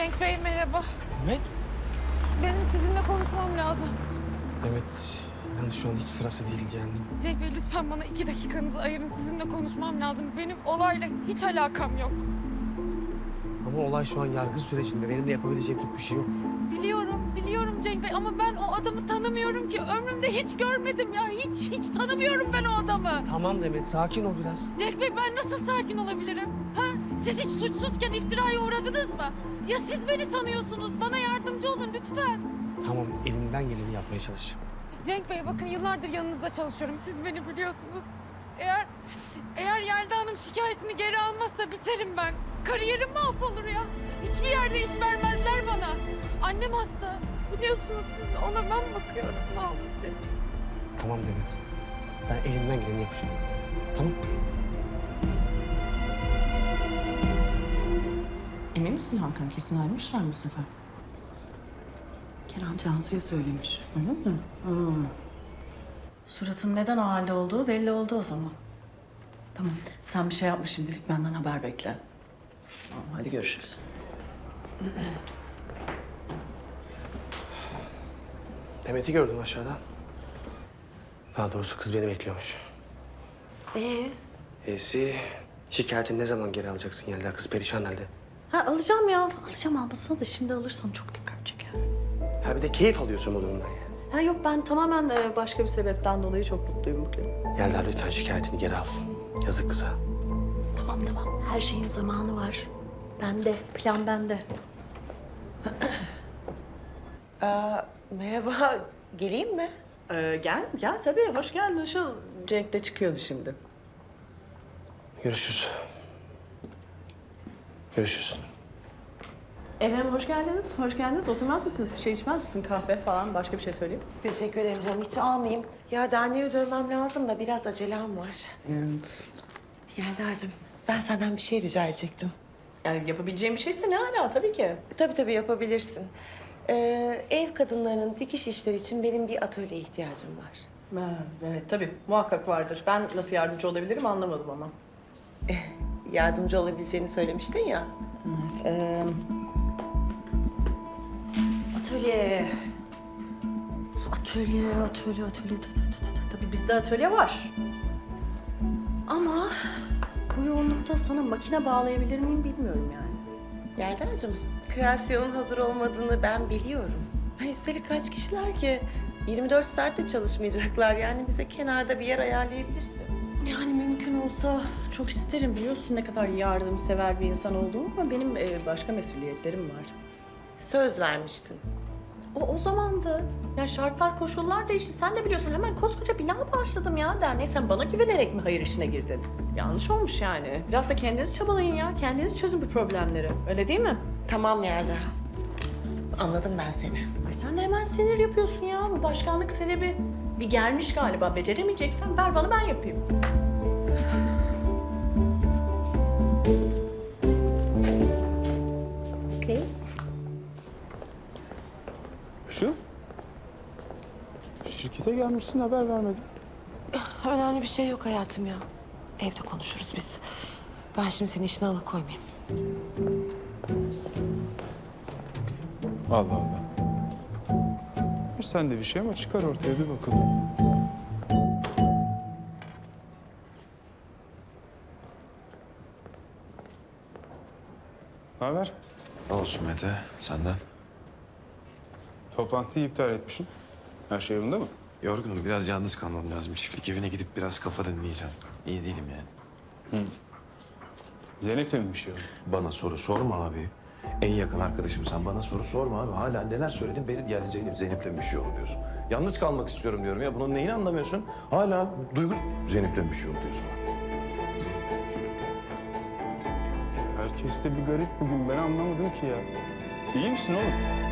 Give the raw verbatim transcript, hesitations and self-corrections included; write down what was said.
Cenk Bey merhaba. Ne? Benim sizinle konuşmam lazım. Evet. Yani şu an hiç sırası değil yani. Cenk Bey lütfen bana iki dakikanızı ayırın. Sizinle konuşmam lazım. Benim olayla hiç alakam yok. Ama olay şu an yargı sürecinde. Benim de yapabileceğim çok bir şey yok. Biliyorum, biliyorum Cenk Bey ama ben o adamı tanımıyorum ki. Ömrümde hiç görmedim ya. Hiç, hiç tanımıyorum ben o adamı. Tamam Demet, sakin ol biraz. Cenk Bey ben nasıl sakin olabilirim? Ha? Siz hiç suçsuzken iftiraya uğradınız mı? Ya siz beni tanıyorsunuz. Bana yardımcı olun lütfen. Tamam, elimden geleni yapmaya çalışacağım. Cenk Bey bakın yıllardır yanınızda çalışıyorum. Siz beni biliyorsunuz. Eğer eğer Yelda Hanım şikayetini geri almazsa biterim ben. Kariyerim mahvolur ya. Hiçbir yerde iş vermezler bana. Annem hasta. Biliyorsunuz siz ona ben bakıyorum. Ne olacak? Tamam Demet. Ben elimden geleni yapacağım. Tamam. Emin misin Hakan? Kesin ayrılmışlar mı bu sefer? Kenan Cansu'ya söylemiş. Öyle mi? Hmm. Suratın neden o halde olduğu belli oldu o zaman. Tamam. Sen bir şey yapma şimdilik. Benden haber bekle. Tamam, hadi görüşürüz. Demet'i gördün aşağıda. Daha doğrusu kız beni bekliyormuş. Ee? Esi, şikayetini ne zaman geri alacaksın Yelda? Kız perişan halde. Ha alacağım ya. Alacağım almasına da şimdi alırsam çok dikkat çeker. Ha bir de keyif alıyorsun bu durumdan ya. Ha yok ben tamamen e, başka bir sebepten dolayı çok mutluyum bugün. Yelda lütfen şikayetini geri al. Yazık kıza. Tamam tamam. Her şeyin zamanı var. Bende. Plan bende. Aa, merhaba, geleyim mi? Ee, gel, gel tabii. Hoş geldin. Şu Cenk de çıkıyordu şimdi. Görüşürüz. Görüşürüz. Efendim hoş geldiniz. Hoş geldiniz. Oturmaz mısınız? Bir şey içmez misin? Kahve falan. Başka bir şey söyleyeyim. Teşekkür ederim canım, hiç almayayım. Ya derneğe dönmem lazım da biraz acelem var. Evet. Yelda'cığım, ben senden bir şey rica edecektim. Yani yapabileceğim bir şeyse ne hala tabii ki. Tabii tabii yapabilirsin. Ee, ev kadınlarının dikiş işleri için benim bir atölye ihtiyacım var. Ha, evet tabii. Muhakkak vardır. Ben nasıl yardımcı olabilirim anlamadım ama. Yardımcı olabileceğini söylemiştin ya. Evet. Ee, atölye. Atölye, atölye, atölye. Tı tı tı tı tı. Tabii bizde atölye var. Ama bu yoğunlukta sana makine bağlayabilir miyim bilmiyorum yani. Yelda'cığım, kreasyonun hazır olmadığını ben biliyorum. Ha, üstelik kaç kişiler ki? yirmi dört saatte çalışmayacaklar. Yani bize kenarda bir yer ayarlayabilirsin. Yani mümkün olsa çok isterim biliyorsun ne kadar yardımsever bir insan olduğumu ama benim e, başka mesuliyetlerim var. Söz vermiştin. O o zamandı. Ya şartlar, koşullar değişti. Sen de biliyorsun hemen koskoca bina başladım ya derneğe. Sen bana güvenerek mi hayır işine girdin? Yanlış olmuş yani. Biraz da kendiniz çabalayın ya. Kendiniz çözün bu problemleri. Öyle değil mi? Tamam Yelda. Anladım ben seni. Ay sen de hemen sinir yapıyorsun ya. Bu başkanlık seni bir, bir gelmiş galiba. Beceremeyeceksen ver bana ben yapayım. Okey. Şu? Şirkete gelmişsin haber vermedin. Önemli bir şey yok hayatım ya. Evde konuşuruz biz. Ben şimdi senin işine alıkoymayayım. Allah Allah. Var sende bir şey ama çıkar ortaya bir bakalım. Ne haber? Ne olsun Mete, senden? Toplantıyı iptal etmişsin. Her şey yolunda mı? Yorgunum, biraz yalnız kalmam lazım. Çiftlik evine gidip biraz kafa dinleyeceğim. İyi değilim yani. Zeynep'le mi bir şey oldu? Bana soru sorma abi. En yakın arkadaşım sen, bana soru sorma abi. Hala neler söyledin, beni yani Zeynep, Zeynep'le mi bir şey oldu diyorsun. Yalnız kalmak istiyorum diyorum ya. Bunun neyini anlamıyorsun? Hala Duygu Zeynep'le mi bir şey oldu diyorsun. Zeynep'le bir şey oldu. Herkes de bir garip bugün. Ben anlamadım ki ya. İyi misin oğlum?